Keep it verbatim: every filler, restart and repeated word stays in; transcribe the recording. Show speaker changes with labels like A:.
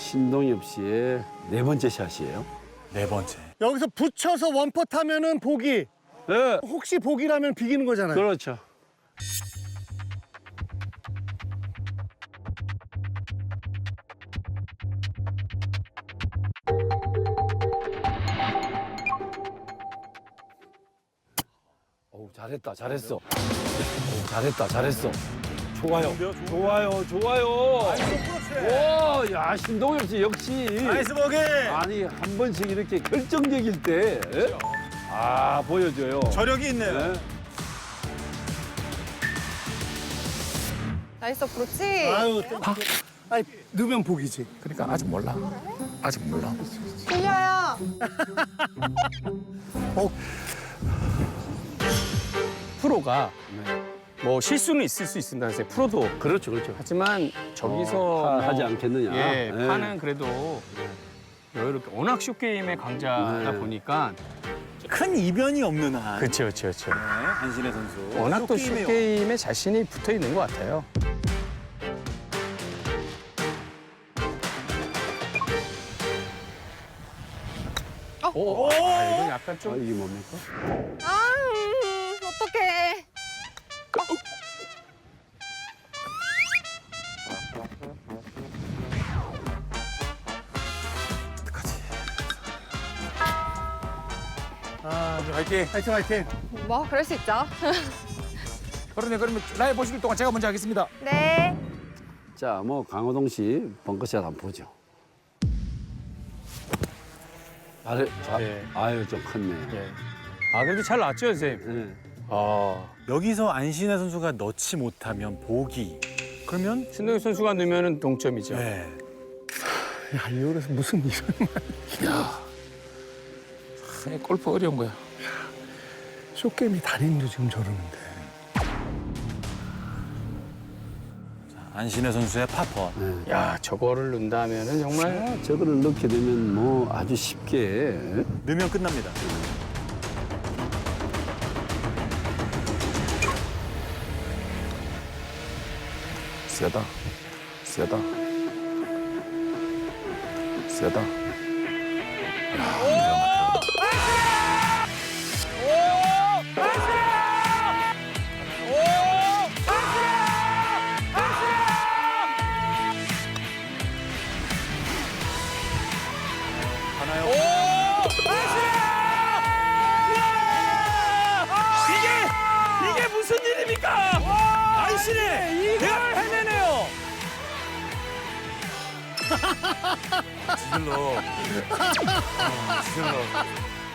A: 신동엽 씨의 네 번째 샷이에요.
B: 네 번째.
C: 여기서 붙여서 원퍼 하면은 보기.
A: 네,
C: 혹시 보기라면 비기는 거잖아요.
A: 그렇죠. 오, 잘했다, 잘했어. 오, 잘했다, 잘했어. 좋아요, 좋아요, 좋아요. 와, 야, 신동엽 씨 역시.
B: 나이스 보기.
A: 아니, 한 번씩 이렇게 결정적일 때, 예? 아, 보여줘요.
B: 저력이 있네요.
A: 네.
D: 나이스 그렇지.
C: 아유, 또- 아니, 넣으면 보기지.
E: 그러니까 아직 몰라. 아직 몰라.
D: 들려요.
F: 프로가 뭐 실수는 있을 수 있습니다. 프로도
A: 그렇죠, 그렇죠.
F: 하지만 저기서
A: 어, 파- 하지
F: 뭐,
A: 않겠느냐.
F: 예,
A: 네.
F: 파는 그래도 여유롭게 워낙 쇼게임의 강자다
A: 네.
F: 보니까
B: 큰 이변이 없는 한.
F: 그렇죠, 그렇죠, 그렇죠.
B: 네, 안신혜 선수.
F: 워낙 또
B: 쇼게임에
F: 쇼게임에 자신이 붙어 있는 것 같아요. 오, 아, 이건 약간
A: 아,
F: 좀
A: 이게 뭡니까?
D: 아, 음, 어떡해.
C: 아,
E: 화이팅.
C: 화이팅, 화이팅.
D: 뭐 그럴 수 있죠.
E: 그러네. 그러면 라이브 보시는 동안 제가 먼저 하겠습니다.
D: 네.
A: 자, 뭐 강호동 씨 벙커샷 한번 보죠. 잘해, 잘,
F: 예.
A: 아유 좀 컸네.
F: 예. 아 그래도 잘 나왔죠, 선생님.
A: 예.
F: 아,
B: 여기서 안신혜 선수가 넣지 못하면 보기. 그러면
F: 신동엽 선수가 넣으면 동점이죠.
B: 네.
C: 야, 이거에서 무슨 이런
E: 아니, 골프 어려운 거야.
C: 쇼게임이 달인도 지금 저러는데.
B: 안신혜 선수의 파퍼.
A: 예.
F: 야, 저거를 넣는다면은 정말
A: 자, 저거를 넣게 되면 뭐 아주 쉽게 예?
B: 넣으면 끝납니다.
E: 세다. 세다. 세다.
F: 이게 무슨 일입니까? 안신혜 이걸 해내네요.
B: 지질러. 어, 지질러.